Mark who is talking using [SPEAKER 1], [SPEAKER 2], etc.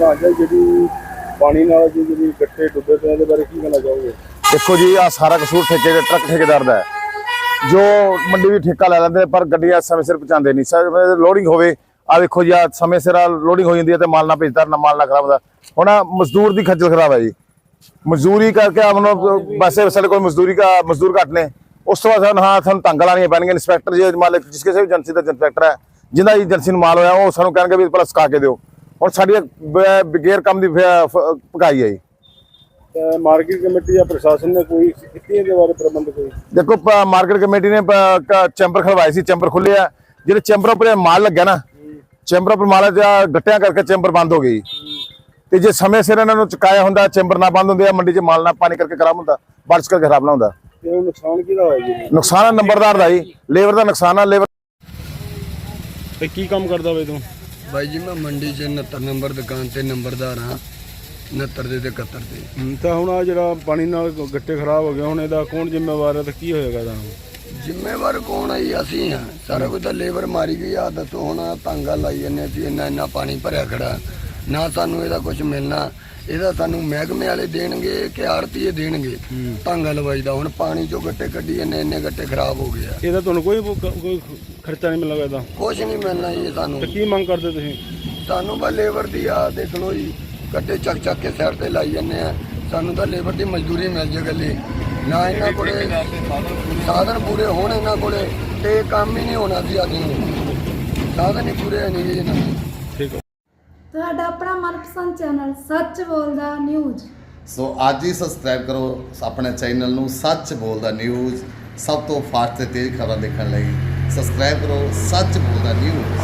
[SPEAKER 1] ਪ੍ਰਧਾਨ ਜੀ ਜਿਹੜੀ ਪਾਣੀ ਨਾਲ ਜਿਹੜੀ ਗੱਟੇ ਡੁੱਬੇ ਪਏ ਇਹਦੇ ਬਾਰੇ ਕੀ ਕਹਿਣਾ ਚਾਹੋਗੇ?
[SPEAKER 2] देखो जी आ सारा कसूर ट्रक ठेकेदार का है जो मंडी भी ठेका लै लेंगे पर गड्डियां समय सिर पहुँचाते नहीं। सर लोडिंग होवे आ देखो जी आ समय सिर लोडिंग हो जाती है तो माल ना भेजता ना माल ना खराब होता। हुण मजदूर की खज्जल खराब है जी, मजदूरी करके हम वैसे साढ़े को मजदूर घट ने उस तो बाद हाँ सानू तंग लानियां पैणगीਆਂ। इंस्पैक्टर जी मालिक जिस किसी भी एजेंसी का इंस्पैक्टर है जिन्हें एजेंसी माल होया वो सानू कहणगे भी भला सुका के दिओ। हुण साडी गैर काम की पकाई है जी।
[SPEAKER 1] मार्केट कमेटी या प्रशासन ने कोई कितने के बारे प्रबंध कोई?
[SPEAKER 2] देखो मार्केट कमेटी ने चैंबर खड़वाए सी, चैंबर खुले है जो चैंबर पर माल लग्या ना चैंबर पर माल गट्टिया करके चैंबर बंद हो गई। तो जो समय सिर इन्होंने चुकाया होंगे चैंबर ना बंद होंगे मंडी च माल ना पानी करके खराब होंगे, बारिश करके खराब ना होंगे।
[SPEAKER 1] नुकसान किहदा होया जी?
[SPEAKER 2] नुकसान नंबरदार का जी, लेबर का नुकसान है। लेबर
[SPEAKER 1] ते की काम करदा बे तू?
[SPEAKER 3] भाई जी मैं मंडी च 69 नंबर दुकान ते नंबरदार हाँ, 69 ਦੇ ਤੇ 71 ਦੇ।
[SPEAKER 1] ਤਾਂ ਹੁਣ ਆ ਜਿਹੜਾ ਪਾਣੀ ਨਾਲ ਗੱਟੇ ਖਰਾਬ ਹੋ ਗਏ ਹੁਣ ਇਹਦਾ ਕੌਣ ਜ਼ਿੰਮੇਵਾਰ ਹੈ ਤੇ ਕੀ ਹੋਏਗਾ ਇਹਦਾ?
[SPEAKER 3] ਜ਼ਿੰਮੇਵਾਰ ਕੌਣ ਹੈ ਜੀ? ਅਸੀਂ ਹਾਂ। ਸਾਰਾ ਕੁਝ ਤਾਂ ਲੇਬਰ ਮਾਰੀ ਗਈ ਆ। ਦੱਸੋ ਹੁਣ ਤਾਂਗਾ ਲਾਈ ਜੰਨੇ ਅਸੀਂ, ਇੰਨਾ ਪਾਣੀ ਭਰਿਆ ਖੜਾ ਨਾ ਸਾਨੂੰ ਇਹਦਾ ਕੁਝ ਮਿਲਣਾ। ਇਹਦਾ ਸਾਨੂੰ ਮਹਿਕਮੇ ਵਾਲੇ ਦੇਣਗੇ ਕਿ ਆੜਤੀਏ ਦੇਣਗੇ ਤਾਂਗਾ ਲਵਾਈ ਦਾ। ਹੁਣ ਪਾਣੀ ਚੋਂ ਗੱਟੇ ਕੱਢੀ ਇੰਨੇ ਗੱਟੇ ਖਰਾਬ ਹੋ ਗਏ ਆ।
[SPEAKER 1] ਇਹਦਾ ਤੁਹਾਨੂੰ ਕੋਈ ਖਰਚਾ ਨਹੀਂ ਮਿਲੇਗਾ ਇਹਦਾ?
[SPEAKER 3] ਕੁਝ ਨਹੀਂ ਮਿਲਣਾ ਜੀ ਸਾਨੂੰ।
[SPEAKER 1] ਤੇ ਕੀ ਮੰਗ ਕਰਦੇ ਤੁਸੀਂ?
[SPEAKER 3] ਸਾਨੂੰ ਬਸ ਲੇਬਰ ਦੀ ਆ ਦੇਖ ਲਓ ਜੀ, ਗੱਟੇ ਚੱਕ ਕੇ ਸਾਈਡ ਤੇ ਲਾਈ ਜਾਂਦੇ ਆ। ਸਾਨੂੰ ਤਾਂ ਲੇਬਰ ਦੀ ਮਜ਼ਦੂਰੀ ਮਿਲ ਜੇ ਗੱਲੇ ਨਾ। ਇਹਨਾਂ ਕੋਲੇ ਸਾਧਨ ਪੂਰੇ ਹੋਣ ਇਹਨਾਂ ਕੋਲੇ ਤੇ ਕੰਮ ਹੀ ਨਹੀਂ ਹੋਣਾ ਸੀ। ਅੱਜ ਨੂੰ ਸਾਧਨ ਹੀ ਪੂਰੇ ਨਹੀਂ ਜੀ ਇਹਨਾਂ ਦੇ।
[SPEAKER 1] ਠੀਕ ਹੈ।
[SPEAKER 4] ਤੁਹਾਡਾ ਆਪਣਾ ਮਨਪਸੰਦ ਚੈਨਲ ਸੱਚ ਬੋਲਦਾ ਨਿਊਜ਼।
[SPEAKER 5] ਸੋ ਅੱਜ ਹੀ ਸਬਸਕ੍ਰਾਈਬ ਕਰੋ ਆਪਣੇ ਚੈਨਲ ਨੂੰ ਸੱਚ ਬੋਲਦਾ ਨਿਊਜ਼। ਸਭ ਤੋਂ ਫਾਸਟ ਤੇ ਤੇਜ਼ ਖਬਰਾਂ ਦੇਖਣ ਲਈ ਸਬਸਕ੍ਰਾਈਬ ਕਰੋ ਸੱਚ ਬੋਲਦਾ ਨਿਊਜ਼।